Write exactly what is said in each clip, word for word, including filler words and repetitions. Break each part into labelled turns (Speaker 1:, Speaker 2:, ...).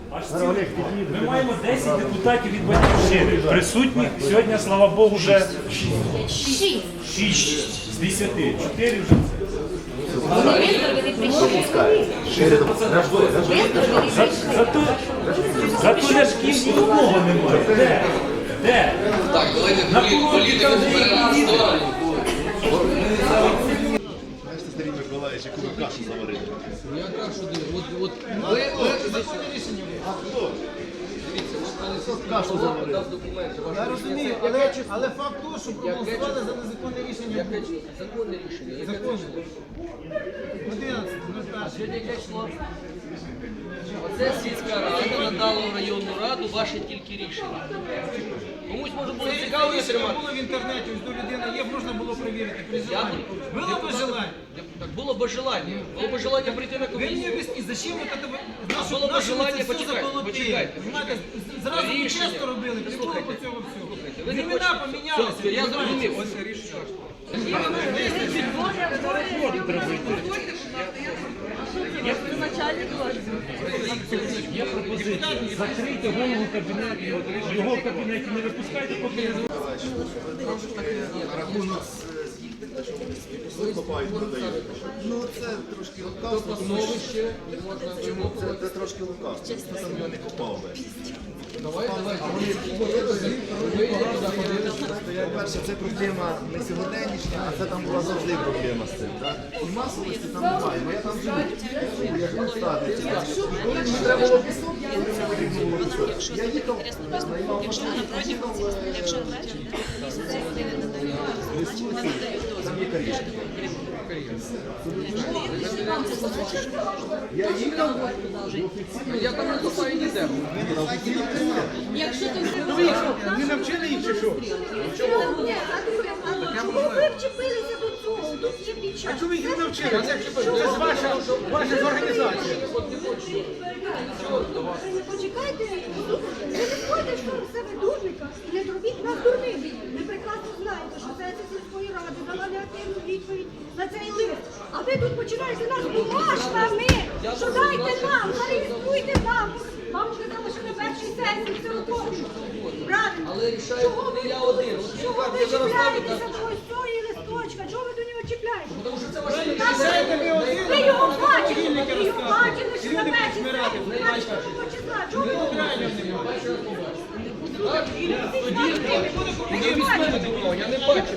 Speaker 1: Аж цілих. Ми маємо десять депутатів від Батьківщини. Присутні сьогодні, слава Богу, вже шість з десяти. чотири вже це. Зато, зато ляшків нікого немає. Де? Де?
Speaker 2: Так, давайте політику зберемо в сторону.
Speaker 3: Знаєте, Сергій Миколаївич, яку ви кашу заварили?
Speaker 2: Я кашу дивлю. От, от, ви, ви,
Speaker 3: А хто?
Speaker 2: дивіться, от
Speaker 3: Хто кашу заварив?
Speaker 2: дав документи.
Speaker 4: Я розумію, але, але факт того, що проголосували за незаконне рішення.
Speaker 2: Яке законне рішення? Яке
Speaker 4: Законне.
Speaker 2: число?
Speaker 4: одинадцяте, ну
Speaker 2: А
Speaker 4: так.
Speaker 2: сьогодні яке число? Оце сільська рада надала в районну раду ваше тільки рішення. Комусь може було
Speaker 4: Це
Speaker 2: цікаво
Speaker 4: рішення
Speaker 2: отримати.
Speaker 4: було в інтернеті, ось до людини є, можна було перевірити при
Speaker 2: Я
Speaker 4: желанні. Було б
Speaker 2: депутати-
Speaker 4: желання.
Speaker 2: Так було б желання. Було б желання прийти на
Speaker 4: Ви мені
Speaker 2: комісію.
Speaker 4: об'ясніть, зачем ви це
Speaker 2: А було б желання,
Speaker 4: все
Speaker 2: почекайте,
Speaker 4: заколотили?
Speaker 2: почекайте,
Speaker 4: Понимаєте,
Speaker 2: почекайте.
Speaker 4: зразу ви
Speaker 2: Рішення.
Speaker 4: чесно робили, не було
Speaker 2: Слухайте,
Speaker 4: по цього всього.
Speaker 2: слухайте, ви не
Speaker 4: Імена
Speaker 2: хочете.
Speaker 4: помінялися.
Speaker 2: Все, я зрозумів.
Speaker 4: Ось це рішення.
Speaker 1: Є пропозиція. Закрийте голову кабінету, його в кабінеті не випускайте, поки не
Speaker 3: На рахунок що вони собі копають, продають. Ну це трошки лукавство, тому що чому це, це трошки лукавство. Хто там його не копав би? По-перше, це проблема не сьогоднішня, а це там була завжди проблема з цим. Так? І масовості там немає. Ну я там живу, я живу в Стадниці. І коли мені треба було пісок, коли мені потрібно було пісок, я їхав, наймав машину, їхав там є карішки. Я їхав в офіційну.
Speaker 2: Я там не копаю ніде.
Speaker 4: Не навчили їх чи що?
Speaker 5: Чому ви вчепилися до цього? Тут є під час.
Speaker 4: А чому ви їх не навчили? Це ж ваша, ваша ж організація.
Speaker 5: Почекайте, ви не входите в себе дурника і не зробіть нас дурними. Ви прекрасно знаєте, що це сільської ради дала негативну відповідь на цей лист. А ви тут починаєте нас бумажками, що дайте нам, зареєструйте нам. Вам сказали, що на першій сесії все робочу. Правильно.
Speaker 2: Але рішаю
Speaker 5: Чого
Speaker 2: не
Speaker 5: ви-
Speaker 2: я один. От
Speaker 5: Чого
Speaker 2: я
Speaker 5: ви
Speaker 2: зараз ставлю
Speaker 5: чіпляєтеся
Speaker 2: так.
Speaker 5: до ось цієї листочка? Чого ви до нього чіпляєтеся?
Speaker 2: Тому що це ваше
Speaker 4: Рішаєте ви один,
Speaker 5: Ви його
Speaker 4: а
Speaker 5: бачили,
Speaker 4: цивільники
Speaker 5: ви його
Speaker 4: розказують.
Speaker 5: бачили, що на
Speaker 4: Люди
Speaker 5: першій
Speaker 4: будуть вмирати.
Speaker 5: сесії двадцятого числа. Чого ви
Speaker 2: Я не бачу.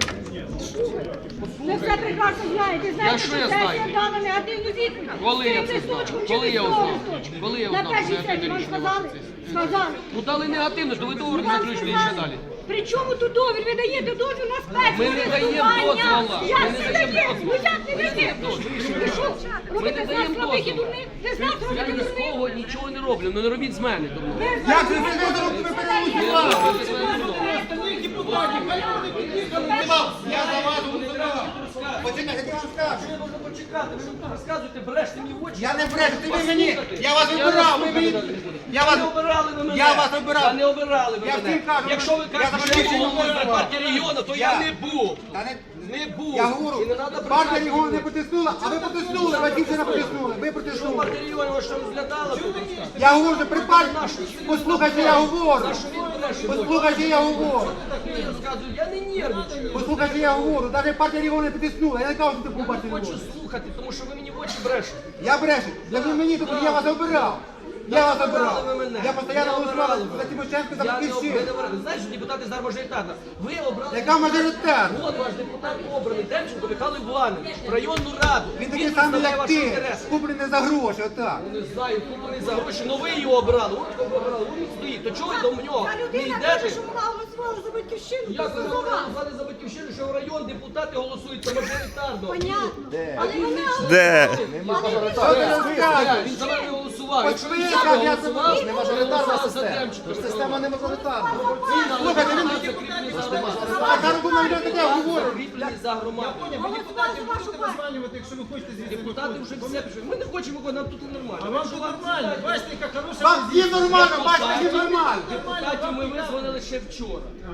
Speaker 5: Ви все прекрасно знаєте. Знаєте,
Speaker 2: що я знаю?
Speaker 5: сесія дала негативну відповідь.
Speaker 2: Коли я
Speaker 5: Цим
Speaker 2: це знав?
Speaker 5: листочком чи
Speaker 2: Коли я
Speaker 5: без
Speaker 2: узнав?
Speaker 5: того листочка?
Speaker 2: Коли я
Speaker 5: На
Speaker 2: узнав,
Speaker 5: першій
Speaker 2: що
Speaker 5: сесії вам
Speaker 2: негативне
Speaker 5: сказали?
Speaker 2: рішення
Speaker 5: Сказали.
Speaker 2: Ну дали негативно, то ви договор не
Speaker 5: Вам
Speaker 2: заключили і ще
Speaker 5: сказали.
Speaker 2: далі.
Speaker 5: При чому тут дозвіл? Ви даєте дозвіл на
Speaker 2: Ми не даємо дозволу.
Speaker 5: Як
Speaker 2: Ми не
Speaker 5: це
Speaker 2: даємо
Speaker 5: таке?
Speaker 2: дозволу.
Speaker 5: Ну як не даєте? Ви що, робите
Speaker 2: не
Speaker 5: з нас
Speaker 2: даємо
Speaker 5: слабих і
Speaker 2: дозволу.
Speaker 5: дурних? Ви з нас
Speaker 2: Я
Speaker 5: робите
Speaker 2: ні з
Speaker 5: дурних?
Speaker 2: кого нічого не роблю, ну не робіть з мене тому.
Speaker 4: Як ви не робите, ви переголосували?
Speaker 2: Робіть з мене не робіть.
Speaker 4: Остальних депутатів, хай вони під'їхали. Я за вас голосував. Почекайте, я вам скажу.
Speaker 2: Я можу почекати, ви мені розказуєте, бреште мені в очі.
Speaker 4: Я не брешу, ти ви мені. Я вас вибирав, ви мені. Я вас
Speaker 2: Не обирали ви мене.
Speaker 4: Я вас обирав.
Speaker 2: Та не обирали ви
Speaker 4: Я
Speaker 2: мене.
Speaker 4: всім кажу,
Speaker 2: Якщо ви
Speaker 4: я
Speaker 2: кажете,
Speaker 4: за
Speaker 2: що я
Speaker 4: Батьківщину
Speaker 2: головою
Speaker 4: голосував.
Speaker 2: партії регіону, то
Speaker 4: Я.
Speaker 2: я не був.
Speaker 4: Та не-
Speaker 2: Не був.
Speaker 4: Я говорю,
Speaker 2: І не треба
Speaker 4: партія
Speaker 2: брехати
Speaker 4: його не
Speaker 2: мені.
Speaker 4: потиснула, а ви потиснули, Батьківщина потиснули, ви
Speaker 2: Що
Speaker 4: потиснули.
Speaker 2: партія регіону вас що розглядала?
Speaker 4: Я говорю, що при партії, послухайте, я говорю. Послухайте, я говорю.
Speaker 2: Я розказую, я не нервничаю.
Speaker 4: Послухайте, я говорю, навіть партія його не потиснула, я не кажу, що ти був партію
Speaker 2: Хочу
Speaker 4: регіону.
Speaker 2: слухати, тому що ви мені в очі брешете.
Speaker 4: Я брешу, я не мені, тому я вас обирав. Я вас обирав.
Speaker 2: Обирали ви мене.
Speaker 4: Я постійно
Speaker 2: Не
Speaker 4: голосував
Speaker 2: обирали
Speaker 4: за
Speaker 2: ви.
Speaker 4: Тимошенко, за
Speaker 2: Я не
Speaker 4: Батьківщину.
Speaker 2: обирали. Знаєш, депутати зараз мажоритарна. Ви обрали.
Speaker 4: Яка мажоритарна?
Speaker 2: От ваш депутат обраний, Демченко Михайло Іванович, в районну раду.
Speaker 4: Він такий самий,
Speaker 2: представляє
Speaker 4: як
Speaker 2: ваші
Speaker 4: ти,
Speaker 2: інтереси.
Speaker 4: куплений за гроші, отак.
Speaker 2: Ну, не знаю, куплений за гроші, але ви його обрали. От кого обрали, він стоїть. То чого ви до нього
Speaker 5: Та
Speaker 2: не
Speaker 5: людина каже,
Speaker 2: йдете?
Speaker 5: що вона голосувала за батьківщину.
Speaker 2: Як ви
Speaker 5: то за вас.
Speaker 2: голосували за батьківщину, що в район депутати голосують за мажоритарно?
Speaker 5: Понятно. Але вона
Speaker 6: Де?
Speaker 4: Що ти розказуєш?
Speaker 2: Він за вами голосував.
Speaker 4: От
Speaker 2: Якщо
Speaker 4: ви,
Speaker 2: він
Speaker 4: як
Speaker 2: за
Speaker 4: я
Speaker 2: голосував,
Speaker 4: це-
Speaker 3: Не мажоритарна
Speaker 2: за
Speaker 3: система.
Speaker 2: Демченко.
Speaker 3: Тож система не мажоритарна.
Speaker 4: Слухайте, він така аргумент таке говорить.
Speaker 2: Закріплені за громаду.
Speaker 4: Ви депутатів можете названювати, якщо ви хочете звідси.
Speaker 2: Депутати вже все пишуть. Ми не хочемо, бо нам тут нормально.
Speaker 4: А вам тут нормально, бачите, яка хороша Вам всім нормально, бачите, всім нормально.
Speaker 2: Депутатів ми визвонили ще вчора.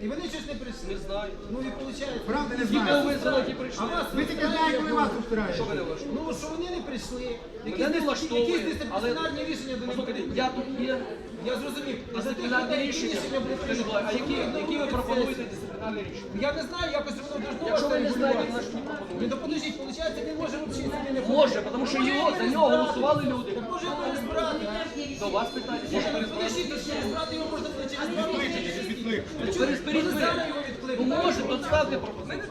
Speaker 4: І вони щось не прийшли.
Speaker 2: Не знаю.
Speaker 4: Ну і виходить.
Speaker 3: Правда не
Speaker 2: Ті, кого
Speaker 3: знаю.
Speaker 2: визнали, ті прийшли.
Speaker 4: А вас
Speaker 3: Ви тільки знаєте, коли вас устрають.
Speaker 2: Що мене влаштовує?
Speaker 4: Ну, що вони не прийшли.
Speaker 2: Мене не
Speaker 4: Якісь
Speaker 2: влаштовує,
Speaker 4: якісь
Speaker 2: але
Speaker 4: дисциплінарні рішення до них
Speaker 2: послухайте,
Speaker 4: будуть.
Speaker 2: я тут є
Speaker 4: Я зрозумів. І за тих
Speaker 2: дисциплінарні
Speaker 4: людей, які
Speaker 2: рішення.
Speaker 4: рішення будуть
Speaker 2: Скажіть, будь ласка, а які,
Speaker 4: прийняті.
Speaker 2: які ви пропонуєте дисциплінарні рішення?
Speaker 4: Я не знаю, якось воно должно
Speaker 2: Якщо ви не знаєте,
Speaker 4: регулюватися.
Speaker 2: значить не пропонуєте.
Speaker 4: Ну, то подождіть, виходить, він може взагалі собі не
Speaker 2: Може, тому що його, за нього голосували люди.
Speaker 4: Так може його розбирати.
Speaker 2: До вас питання. Може перезбирати?
Speaker 4: Подождіть, то через брати його можна буде через два роки.
Speaker 2: Перезберіть ви.
Speaker 4: Зараз його
Speaker 2: Ну
Speaker 4: відкликати.
Speaker 2: може, то ставте пропозицію.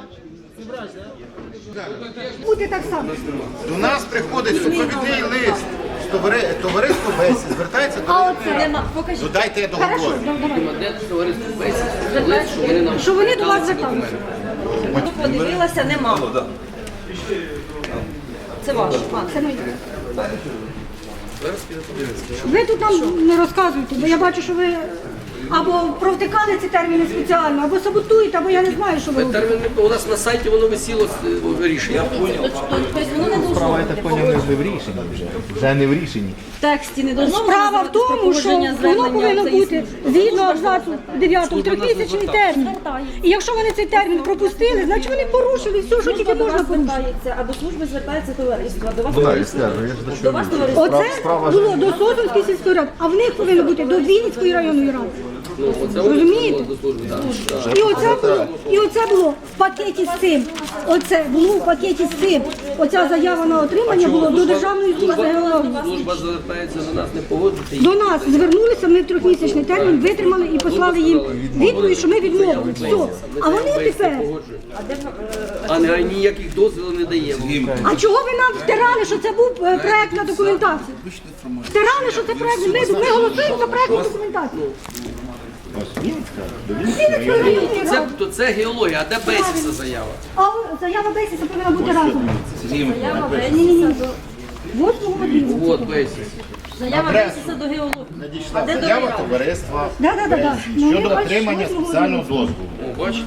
Speaker 5: Буде так само.
Speaker 3: До нас приходить супровідний лист. Товари- Товариство Бесі звертається до
Speaker 5: А
Speaker 3: мене.
Speaker 5: оце нема. Покажіть.
Speaker 3: Ну дайте я
Speaker 5: Хорошо,
Speaker 3: договорю.
Speaker 5: да- давай.
Speaker 2: Де товариство Бесі? Лист, що вони нам
Speaker 5: Що вони до вас
Speaker 2: дали ці
Speaker 5: зверталися?
Speaker 2: документи.
Speaker 6: Подивилася, нема. Це ваше. А,
Speaker 5: Це моє. Ви тут нам не розказуєте, бо я бачу, що ви або провтикали ці терміни спеціально, або саботуєте, або я не знаю, що ви робите.
Speaker 2: Термін у нас на сайті воно висіло е, рішення.
Speaker 6: Тобто воно не должно
Speaker 3: Справа, я
Speaker 6: бути
Speaker 3: так поняв, не в рішенні вже. Вже не в рішенні.
Speaker 6: в тексті, не должно бути
Speaker 5: Справа в тому, що воно повинно бути згідно абзацу дев'ятого трьохмісячний термін. І якщо вони цей термін пропустили, значить вони порушили все, що тільки
Speaker 6: до
Speaker 5: можна
Speaker 6: вас
Speaker 5: порушити.
Speaker 6: звертається, а до служби звертається товариство. До вас
Speaker 3: Ну, я
Speaker 6: товариство.
Speaker 3: скажу, я ж до
Speaker 6: До
Speaker 3: чого.
Speaker 6: вас товариство.
Speaker 5: Оце
Speaker 3: Справа
Speaker 5: було до Сосунської сільської ради, а в них повинно бути до Вінницької районної ради.
Speaker 2: Ну, оце
Speaker 5: Розумієте?
Speaker 2: до служби. так.
Speaker 5: І оце було, і оце було в пакеті з цим. Оце було в пакеті з цим. Оця заява на отримання було до Державної служби геології.
Speaker 2: Служба звертається до нас, не погоджуйте.
Speaker 5: До нас звернулися, ми в трьохмісячний термін витримали і послали їм відповідь, що ми відмовили. Все. А вони тепер.
Speaker 2: А не ніяких дозволів не даємо.
Speaker 5: А чого ви нам втирали, що це був е, проектна документація? Втирали, що це проект. Ми, ми голосуємо за проектну документацію. Вінницької районної
Speaker 2: Це,
Speaker 5: ради.
Speaker 2: то це геологія, а де Бесіса заява?
Speaker 5: А заява Бесіса повинна бути разом.
Speaker 6: Заява
Speaker 5: Ні-ні-ні. восьмого годину.
Speaker 2: От Бесіс.
Speaker 6: Заява виситься до геології. А
Speaker 3: Надійшла
Speaker 6: де
Speaker 3: заява
Speaker 6: довіра?
Speaker 3: товариства
Speaker 5: Да-да-да. Ну,
Speaker 3: щодо
Speaker 5: ми бачимо,
Speaker 3: отримання
Speaker 5: восьмого
Speaker 3: спеціального
Speaker 5: годину.
Speaker 3: дозволу.
Speaker 2: О, бачите?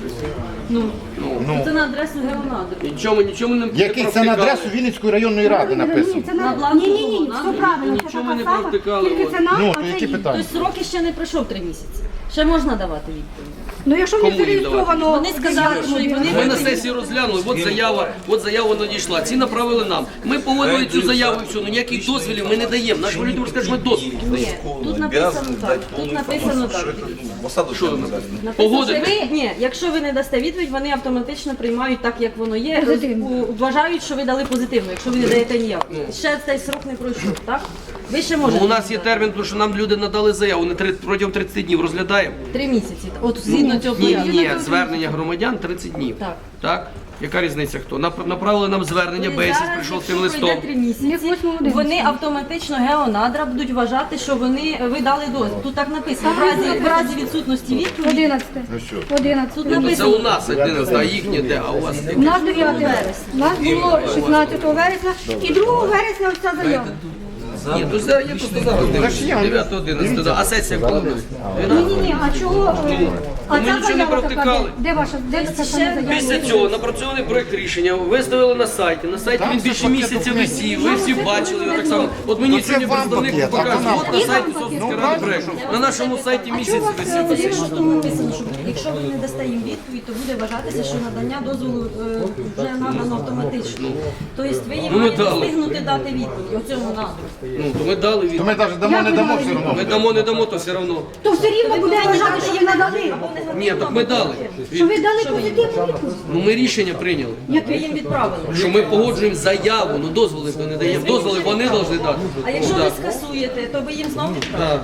Speaker 3: Ну,
Speaker 6: Це на адресу геонадру.
Speaker 2: Нічому, нічому не
Speaker 3: який це на адресу Вінницької районної ради написано.
Speaker 5: Ні, це на
Speaker 6: На бланку
Speaker 5: ні, ні, ні,
Speaker 6: було,
Speaker 5: все
Speaker 6: на-
Speaker 5: правильно. Це
Speaker 2: нічого ми не
Speaker 5: така сама,
Speaker 2: провтикали,
Speaker 5: тільки
Speaker 2: от.
Speaker 5: це нам,
Speaker 3: Ну,
Speaker 5: а
Speaker 3: то
Speaker 5: це
Speaker 3: які
Speaker 5: їм.
Speaker 3: питання?
Speaker 6: Тобто сроки ще не пройшов три місяці. Ще можна давати відповідь.
Speaker 5: Ну, якщо в них
Speaker 2: Кому їм
Speaker 5: зареєстровано...
Speaker 6: Вони сказали, що і вони
Speaker 2: Ми на сесії розглянули, от заява, от заява надійшла. Ці направили нам. Ми погодили цю заяву і все, ну ніяких дозволів ми не даємо. Наш володимир скаже, що ми дозвіл не
Speaker 6: Ні,
Speaker 2: даємо.
Speaker 6: тут написано так. Тут написано так.
Speaker 2: Що ви написано?
Speaker 6: Написано,
Speaker 2: Погодити?
Speaker 6: що ви, ні, якщо ви не дасте відповідь, вони автоматично приймають так, як воно є.
Speaker 5: Позитивно.
Speaker 6: У- Вважають, що ви дали позитивно, якщо ви не даєте ніяк. Ще цей срок не пройшов, так? Ви ще
Speaker 2: Ну,
Speaker 6: можете.
Speaker 2: у нас є термін, тому що нам люди надали заяву, не три- протягом тридцяти днів розглядаємо.
Speaker 6: Три місяці. От згідно цього
Speaker 2: Ні,
Speaker 6: порядку.
Speaker 2: ні, звернення громадян тридцять днів.
Speaker 6: Так.
Speaker 2: Так? Яка різниця хто? Нап- Направили нам звернення,
Speaker 6: І
Speaker 2: Бесіс
Speaker 6: зараз,
Speaker 2: прийшов з
Speaker 6: якщо
Speaker 2: цим листом.
Speaker 6: пройде три місяці, вони автоматично геонадра будуть вважати, що вони ви дали дозвіл. Тут так написано. В разі, в разі відсутності відповіді.
Speaker 5: одинадцяте.
Speaker 3: Ну що?
Speaker 6: Тут
Speaker 5: одинадцяте.
Speaker 2: Ну, це
Speaker 6: написано.
Speaker 2: у нас одинадцять, а їхнє де, а у вас
Speaker 5: У нас дев'ятого вересня. У нас було шістнадцятого вересня і другого вересня ось ця заява.
Speaker 2: Ні, то зараз я просто зараз дивлюся. дев'яте одинадцяте, а сесія коли буде?
Speaker 5: Ні-ні-ні, а чого? е, А
Speaker 2: Ми
Speaker 5: ця
Speaker 2: нічого не
Speaker 5: заява така,
Speaker 2: провтикали.
Speaker 5: де? Де ваша, де ця сама заява?
Speaker 2: Після цього напрацьований проект рішення виставили на сайті. На сайті
Speaker 3: Там
Speaker 2: він
Speaker 3: все
Speaker 2: більше
Speaker 3: пакет
Speaker 2: місяця
Speaker 3: документів.
Speaker 2: висів. Ви всі бачили його так само. От мені
Speaker 3: Ну, це
Speaker 2: сьогодні
Speaker 3: вам
Speaker 2: представник
Speaker 3: пакет, а
Speaker 2: показує.
Speaker 3: нам
Speaker 2: От на
Speaker 5: пакет.
Speaker 2: сайті
Speaker 5: Ну,
Speaker 2: Сосунської ради
Speaker 3: правильно.
Speaker 2: проект. На нашому сайті місяць
Speaker 5: чого у вас,
Speaker 2: висів.
Speaker 5: е,
Speaker 6: Тоді що тут написано, що якщо ви не дасте їм відповідь, то буде вважатися, що надання дозволу е, вже надано автоматично. Тобто ви їм
Speaker 2: Ну, ми
Speaker 6: маєте
Speaker 2: дали.
Speaker 6: встигнути дати відповідь оцьому надру.
Speaker 2: Ну, то ми дали
Speaker 3: То
Speaker 2: від.
Speaker 3: ми навіть дамо, не дамо все одно.
Speaker 2: Ми дамо, не дамо, то все одно.
Speaker 5: То все рівно буде вважати, що ви надали.
Speaker 2: Ні, так ми дали.
Speaker 5: Що ви дали позитивну відповідь.
Speaker 2: Ну ми рішення прийняли.
Speaker 6: Як ви їм відправили.
Speaker 2: Що ми погоджуємо заяву, ну дозволи то не даємо. Дозволи вони повинні дати.
Speaker 6: А якщо
Speaker 2: Ну,
Speaker 6: ви
Speaker 2: да.
Speaker 6: скасуєте, то ви їм знову відправите?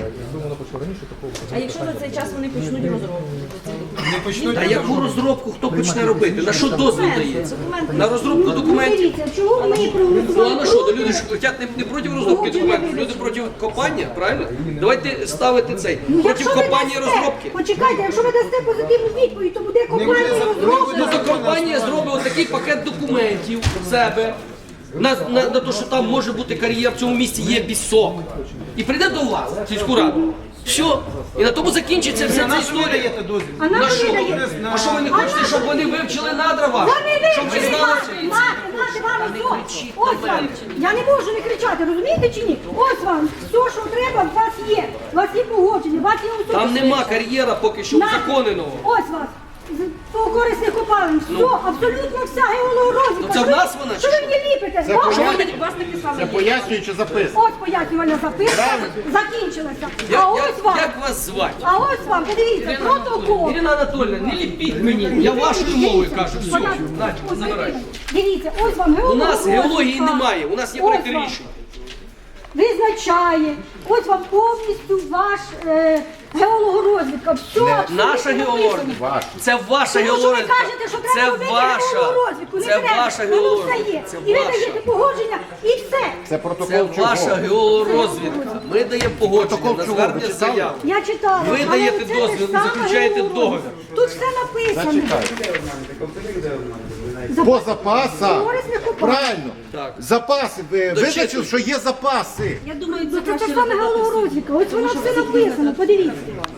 Speaker 6: А якщо за цей час вони почнуть розробку?
Speaker 2: Та яку розробку хто почне робити? На що дозвіл дається? На розробку
Speaker 5: Ну,
Speaker 2: документів.
Speaker 5: дивіться, чого ми
Speaker 2: Ну а
Speaker 5: проголосували
Speaker 2: на що? То
Speaker 5: проти?
Speaker 2: люди ж хочуть не, не проти розробки документів, люди проти копання, правильно? Давайте ставити цей.
Speaker 5: Ну,
Speaker 2: Проти
Speaker 5: якщо ви
Speaker 2: копання і
Speaker 5: дасте-
Speaker 2: розробки.
Speaker 5: Почекайте, якщо ви дасте позитивну відповідь, то буде компанія розробка.
Speaker 2: Ну то компанія зробить отакий пакет документів в себе. На, на, на те, що там може бути кар'єр, в цьому місці є пісок. І прийде до вас, в сільську раду. Все. І на тому закінчиться вся ця історія.
Speaker 5: А нам
Speaker 2: На
Speaker 5: ви
Speaker 2: що?
Speaker 5: даєте?
Speaker 2: А що ви не хочете, щоб вони вивчили надра ваші?
Speaker 5: Вони
Speaker 2: Щоб ви
Speaker 5: вивчили
Speaker 2: знали,
Speaker 5: мати,
Speaker 2: що
Speaker 5: мати, мати вам ось. Ось вам. Я не можу не кричати, розумієте чи ні? Ось вам. Все, що треба, у вас є. У вас є погодження, у вас особисто.
Speaker 2: Там нема кар'єра поки що
Speaker 5: На-
Speaker 2: узаконеного.
Speaker 5: Ось вас. З- По корисних копалин. Все, абсолютно вся геологорозвідка.
Speaker 2: Ну, це в
Speaker 5: Що ви-
Speaker 2: нас вона,
Speaker 5: Що
Speaker 2: чи
Speaker 5: ви мені ліпите?
Speaker 3: Це
Speaker 5: Вам-
Speaker 2: Що ви
Speaker 3: пояснює-
Speaker 2: мені вас не писали?
Speaker 3: Це пояснююча записка.
Speaker 5: Ось пояснювальна записка закінчилася.
Speaker 2: Як,
Speaker 5: А ось
Speaker 2: як,
Speaker 5: вам.
Speaker 2: як вас звати?
Speaker 5: А ось вам, подивіться, протокол.
Speaker 2: Ірина Анатольевна, не ліпіть мені. Я вашою мовою кажу. Все,
Speaker 5: Подав-
Speaker 2: Надь,
Speaker 5: Ось,
Speaker 2: забирай.
Speaker 5: Дивіться, ось вам
Speaker 2: У
Speaker 5: геологорозвідка.
Speaker 2: нас геології немає, у нас є
Speaker 5: Ось
Speaker 2: проєкти
Speaker 5: вам.
Speaker 2: рішень.
Speaker 5: Визначає, ось вам повністю ваш е, геологорозвідка. Все абсолютно
Speaker 2: Наша геологія.
Speaker 3: Ваша.
Speaker 2: Це ваша
Speaker 5: Тому що ви
Speaker 2: геологія.
Speaker 5: кажете, що треба
Speaker 2: Це
Speaker 5: робити
Speaker 2: ваша.
Speaker 5: геологорозвідку. Не
Speaker 2: Це
Speaker 5: треба.
Speaker 2: ваша
Speaker 5: Воно все
Speaker 2: геологія.
Speaker 5: є.
Speaker 2: Це
Speaker 5: І ви
Speaker 2: ваша.
Speaker 5: даєте погодження, і все.
Speaker 3: Це протокол
Speaker 2: Це
Speaker 3: чого?
Speaker 2: ваша геологорозвідка. Ми даємо погодження
Speaker 3: Протокол
Speaker 2: на
Speaker 3: чого?
Speaker 2: звернення
Speaker 3: Ви читали?
Speaker 2: заяв.
Speaker 5: Я читала.
Speaker 2: Ви
Speaker 5: але
Speaker 2: даєте
Speaker 5: це
Speaker 2: дозвіл,
Speaker 5: те саме
Speaker 2: заключаєте
Speaker 5: геологорозвідка. Тут все написано.
Speaker 3: Зачекайте.
Speaker 5: Запас-
Speaker 3: По запасах.
Speaker 5: Корисних копалин.
Speaker 3: Правильно.
Speaker 2: Так.
Speaker 3: Запаси. Ви
Speaker 2: Дочитуйте.
Speaker 3: визначили, що є запаси.
Speaker 6: Я думаю,
Speaker 5: Ну,
Speaker 6: це
Speaker 5: Це те
Speaker 6: краще
Speaker 5: саме
Speaker 6: розглядати
Speaker 5: геологорозвідка. Ось воно
Speaker 6: що
Speaker 5: все
Speaker 6: всі
Speaker 5: написано. Подивіться.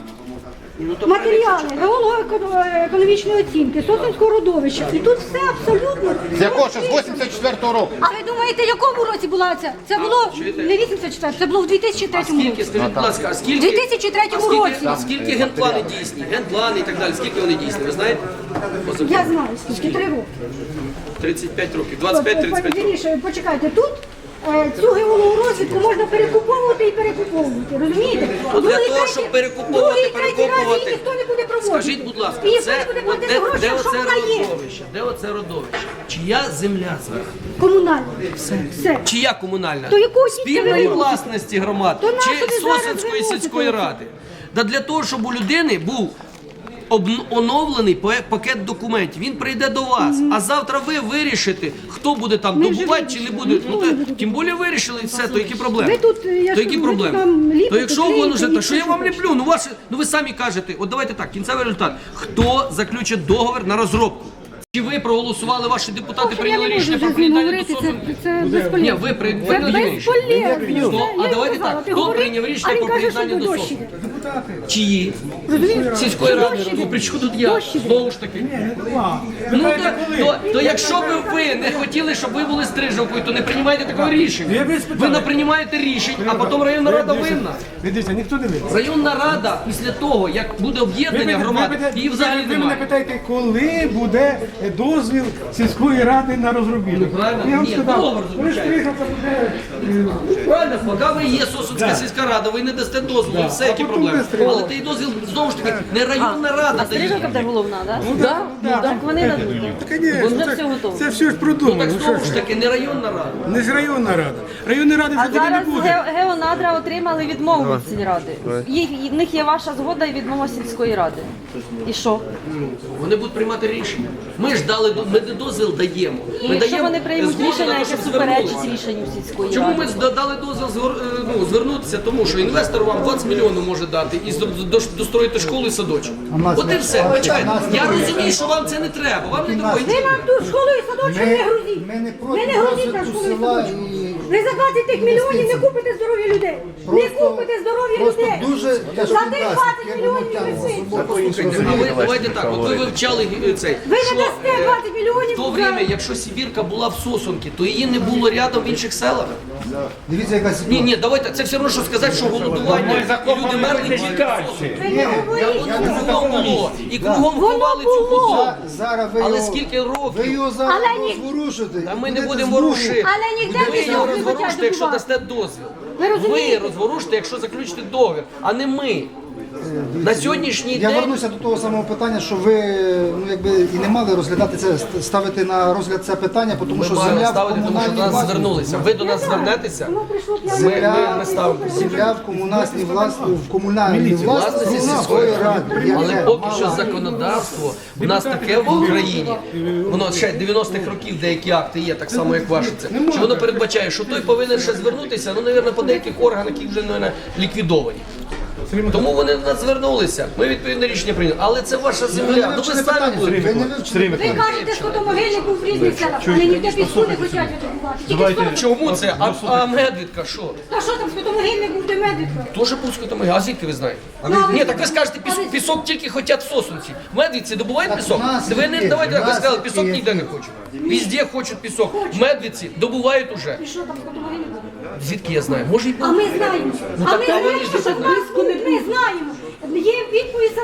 Speaker 2: Ну, то
Speaker 5: Матеріали геолого-економічної оцінки, Сосинського родовища. І тут все абсолютно.
Speaker 3: З якого ще? З вісімдесят четвертого року.
Speaker 5: А ви думаєте, в якому році була ця? Це було
Speaker 2: чуєте?
Speaker 5: не вісімдесят четвертому, це було в дві тисячі третьому
Speaker 2: Скільки,
Speaker 5: році.
Speaker 2: скажіть, будь ласка, а
Speaker 5: У
Speaker 2: скільки?
Speaker 5: дві тисячі третьому
Speaker 2: а скільки-
Speaker 5: році.
Speaker 2: а Скільки генплани дійсні? Генплани і так далі. Скільки вони дійсні? Ви знаєте?
Speaker 5: Я знаю, скільки три роки.
Speaker 2: тридцять п'ять років. двадцять п'ять тридцять п'ять років.
Speaker 5: Вірніше, почекайте, тут е, цю геологорозвідку можна перекуповувати і перекуповувати, розумієте?
Speaker 2: Ну, для
Speaker 5: Другий,
Speaker 2: того,
Speaker 5: третій-
Speaker 2: щоб перекуповувати,
Speaker 5: другий, третій раз її
Speaker 2: перекопувати.
Speaker 5: ніхто не буде проводити.
Speaker 2: Скажіть, будь ласка,
Speaker 5: І ніхто
Speaker 2: це
Speaker 5: не буде
Speaker 2: от
Speaker 5: платити
Speaker 2: де,
Speaker 5: гроші,
Speaker 2: де
Speaker 5: що
Speaker 2: оце
Speaker 5: вона є.
Speaker 2: родовище? Де оце родовище? Чия земля зараз?
Speaker 5: Комунальна. Все. Все.
Speaker 2: Чия комунальна?
Speaker 5: То яку тільки
Speaker 2: Спільної
Speaker 5: ви
Speaker 2: власності громад
Speaker 5: То нащо
Speaker 2: чи
Speaker 5: ви зараз
Speaker 2: Сосенської
Speaker 5: виносите
Speaker 2: сільської
Speaker 5: це?
Speaker 2: ради? Да для того, щоб у людини був обн- оновлений пе- пакет документів. Він прийде до вас, а завтра ви вирішите, хто буде там
Speaker 5: Ми вже
Speaker 2: добувати чи не
Speaker 5: вирішили.
Speaker 2: буде. Ну,
Speaker 5: Ніхто
Speaker 2: то,
Speaker 5: не буде.
Speaker 2: тим більше вирішили і все, то які проблеми?
Speaker 5: Ви тут, я
Speaker 2: то
Speaker 5: ж
Speaker 2: які
Speaker 5: кажу, ви
Speaker 2: проблеми?
Speaker 5: там ліпите,
Speaker 2: То якщо
Speaker 5: клеїте,
Speaker 2: воно вже
Speaker 5: і
Speaker 2: так, що я
Speaker 5: що
Speaker 2: вам
Speaker 5: хочете.
Speaker 2: ліплю, ну ваше, ну ви самі кажете, от давайте так, кінцевий результат. Хто заключить договір на розробку? Чи ви проголосували, ваші депутати
Speaker 5: Я
Speaker 2: прийняли
Speaker 5: не можу
Speaker 2: рішення
Speaker 5: вже
Speaker 2: про
Speaker 5: з ним
Speaker 2: приєднання
Speaker 5: говорити,
Speaker 2: до
Speaker 5: це,
Speaker 2: СОСу?
Speaker 5: це безполезно.
Speaker 2: Ні, ви при-
Speaker 5: Це
Speaker 2: прийняли рішення.
Speaker 5: безполезно.
Speaker 2: Ну,
Speaker 5: Це
Speaker 2: а
Speaker 5: я
Speaker 2: давайте
Speaker 5: сказала,
Speaker 2: так,
Speaker 5: ти
Speaker 2: хто
Speaker 5: говори,
Speaker 2: прийняв рішення
Speaker 5: а він
Speaker 2: про
Speaker 5: каже, що
Speaker 2: приєднання до
Speaker 5: дощ
Speaker 2: СОСу?
Speaker 5: іде.
Speaker 2: Чиї?
Speaker 5: Розумієш?
Speaker 2: Сільської ради.
Speaker 5: Дощ іде.
Speaker 2: Ну при чому тут я?
Speaker 5: Дощ іде.
Speaker 2: Знову ж таки. Ну то, то, то якщо б ви не хотіли, щоб ви були стрижавкою, то не приймайте такого рішення. Ви не приймаєте рішень, а потім районна рада винна.
Speaker 7: Ви дивіться, ніхто не винен.
Speaker 2: Районна рада після того, як буде об'єднання громад, її взагалі
Speaker 7: ви мене
Speaker 2: немає.
Speaker 7: питаєте, коли буде дозвіл сільської ради на розробітку?
Speaker 2: Ну, правильно.
Speaker 7: Я вам
Speaker 2: Ні,
Speaker 7: сказав,
Speaker 2: договор
Speaker 7: коли
Speaker 2: заключається.
Speaker 7: Стрижавка буде... е,
Speaker 2: Правильно, поки ви є Сосунська сільська рада, ви не дасте дозволу, все, які
Speaker 7: А потім
Speaker 2: проблеми.
Speaker 7: ви
Speaker 2: Але той дозвіл, знову ж таки, не районна рада
Speaker 6: Стрижавка
Speaker 2: дає.
Speaker 6: буде головна, так?
Speaker 7: Ну, да,
Speaker 6: Ну
Speaker 7: да.
Speaker 6: так вони дадуть.
Speaker 7: Та, конечно,
Speaker 6: Бо вже
Speaker 7: це-
Speaker 6: все готово.
Speaker 7: Це все ж
Speaker 2: Ну
Speaker 7: продумано.
Speaker 2: так
Speaker 7: ну, що
Speaker 2: знову
Speaker 7: ж
Speaker 2: ж
Speaker 7: ви.
Speaker 2: таки, не районна рада.
Speaker 7: Не ж районна рада. Районної ради
Speaker 6: А
Speaker 7: вже тоді не
Speaker 6: зараз
Speaker 7: буде.
Speaker 6: Ге- Геонадра отримали відмову від сільради. Їх, в них є ваша згода і відмова сільської ради. І що?
Speaker 2: Вони будуть приймати рішення. Ми ж дали до- ми не дозвіл даємо.
Speaker 6: І
Speaker 2: Ми
Speaker 6: якщо
Speaker 2: даємо
Speaker 6: вони приймуть
Speaker 2: згоду на
Speaker 6: рішення,
Speaker 2: те,
Speaker 6: яке
Speaker 2: щоб
Speaker 6: суперечить
Speaker 2: звернулися.
Speaker 6: рішенню сільської
Speaker 2: Чому
Speaker 6: ради?
Speaker 2: ми зда- дали дозвіл звер- е, ну, звернутися? Тому що інвестор вам двадцять мільйонів може дати і зро- до- достроїти школу і садочок. От і все. Почекайте. Я розумію, що вам це не треба. Вам не треба.
Speaker 5: Ви нам тут школу і садочок не грузіть.
Speaker 8: ми не проти
Speaker 5: Ви не грузіть на
Speaker 8: розвитку
Speaker 5: школу і
Speaker 8: села
Speaker 5: садочок.
Speaker 8: і
Speaker 5: Ви за двадцять тих мільйонів не купите здоров'я людей. Не
Speaker 8: Просто-
Speaker 5: купите здоров'я
Speaker 8: просто
Speaker 5: людей.
Speaker 8: дуже
Speaker 5: За
Speaker 8: тяжкий
Speaker 5: тих
Speaker 8: дасть,
Speaker 5: двадцять
Speaker 8: як воно
Speaker 5: мільйонів
Speaker 8: тягнеться
Speaker 5: ви
Speaker 8: собою по-іншому.
Speaker 2: А ви давайте так, от ви вивчали е, цей.
Speaker 5: Ви не
Speaker 2: що,
Speaker 5: дасте
Speaker 2: е,
Speaker 5: двадцять мільйонів
Speaker 2: В то
Speaker 5: за-
Speaker 2: время, якщо Сибірка була в Сосунці, то її не було рядом в інших селах.
Speaker 8: Дивіться, яка
Speaker 2: Ні,
Speaker 8: ситуація.
Speaker 2: ні, давайте, це все одно, що сказати, що голодування і люди мерли тільки в Сосунці.
Speaker 5: Ви не говоріть.
Speaker 2: Кругом було. І кругом
Speaker 5: Воно
Speaker 2: ховали цю
Speaker 5: було.
Speaker 2: худобу.
Speaker 8: За- Зараз ви
Speaker 2: Але
Speaker 8: його,
Speaker 2: скільки
Speaker 8: ви
Speaker 2: років?
Speaker 8: його зараз
Speaker 5: Але ні-
Speaker 8: розворушите.
Speaker 2: Та ми не
Speaker 8: будете
Speaker 2: будемо
Speaker 8: знову-
Speaker 2: ворушити.
Speaker 5: Але ніде
Speaker 2: Ви
Speaker 5: ви
Speaker 2: його
Speaker 5: не
Speaker 2: розворушите,
Speaker 5: хочете
Speaker 2: якщо
Speaker 5: добувати.
Speaker 2: дасте дозвіл.
Speaker 5: Ви
Speaker 2: Ви
Speaker 5: розумієте?
Speaker 2: розворушите, якщо заключите договір, а не ми. На сьогоднішній
Speaker 8: Я
Speaker 2: день
Speaker 8: вернуся до того самого питання, що ви ну якби і не мали розглядати це, ставити на розгляд це питання, тому
Speaker 2: ми
Speaker 8: що
Speaker 2: маємо
Speaker 8: земля в
Speaker 2: ставити, тому що
Speaker 8: комунальній
Speaker 2: до нас
Speaker 8: власності.
Speaker 2: звернулися. Ви до нас звернетеся.
Speaker 5: Воно прийшло п'яне.
Speaker 2: Ми,
Speaker 8: Земля,
Speaker 2: ми, ми ставимо.
Speaker 8: земля в комунальній власності, в комунальній власності
Speaker 2: Власності
Speaker 8: сільської
Speaker 2: сільської
Speaker 8: ради.
Speaker 2: Але
Speaker 8: яке
Speaker 2: поки що
Speaker 8: мало-
Speaker 2: законодавство у нас таке в Україні, воно ще дев'яностих років деякі акти є, так само як ваші це. Що воно передбачає, що той повинен ще звернутися, ну, мабуть, по деяких органах, які вже мабуть, ліквідовані. Тому вони до нас звернулися. Ми відповідне рішення прийняли. Але це ваша земля. Ну ви
Speaker 8: вивчили
Speaker 2: самі
Speaker 8: питання,
Speaker 2: будете.
Speaker 8: ви не вивчили.
Speaker 5: Ви кажете, що до могильник був в різних селах, але ніде піску не хочуть видобувати. Тільки що-
Speaker 2: Чому це? А, а медвідка що?
Speaker 5: Та що там, скотомогильник був де медвідка?
Speaker 2: Тоже пусько там. А звідки ви знаєте?
Speaker 5: Ну, а ви-
Speaker 2: Ні, так ви скажете, пісок, пісок тільки хочуть в Сосунці. В Медвідці добувають
Speaker 8: Так
Speaker 2: пісок?
Speaker 8: в нас
Speaker 2: Ви не
Speaker 8: є,
Speaker 2: давайте
Speaker 8: в
Speaker 2: так, ви
Speaker 8: нас
Speaker 2: сказали, пісок
Speaker 8: є.
Speaker 2: ніде не хочуть. Везде хочуть пісок. В Медвідці добувають уже.
Speaker 5: І що там, скотомогильник був?
Speaker 2: Звідки я знаю? Може і
Speaker 5: А ми знаємо.
Speaker 2: Ну,
Speaker 5: А
Speaker 2: так
Speaker 5: ми
Speaker 2: та вони
Speaker 5: знаємо,
Speaker 2: ж
Speaker 5: що в нас був, ми знаємо.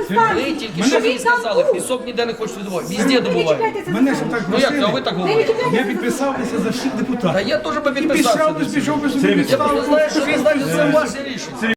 Speaker 2: Ви тільки що мені сказали, пісок ніде не хочуть видобувати, везде добувають.
Speaker 7: Мене ж так
Speaker 2: Ну як,
Speaker 7: просили.
Speaker 2: а ви так говорите?
Speaker 7: Я підписався за всіх
Speaker 2: Та
Speaker 7: депутатів.
Speaker 2: я теж би
Speaker 7: І
Speaker 2: підписався.
Speaker 7: пішов, би, пішов би собі
Speaker 2: Я
Speaker 7: відставку.
Speaker 2: просто знаю, що ви знаєте, це ваше рішення.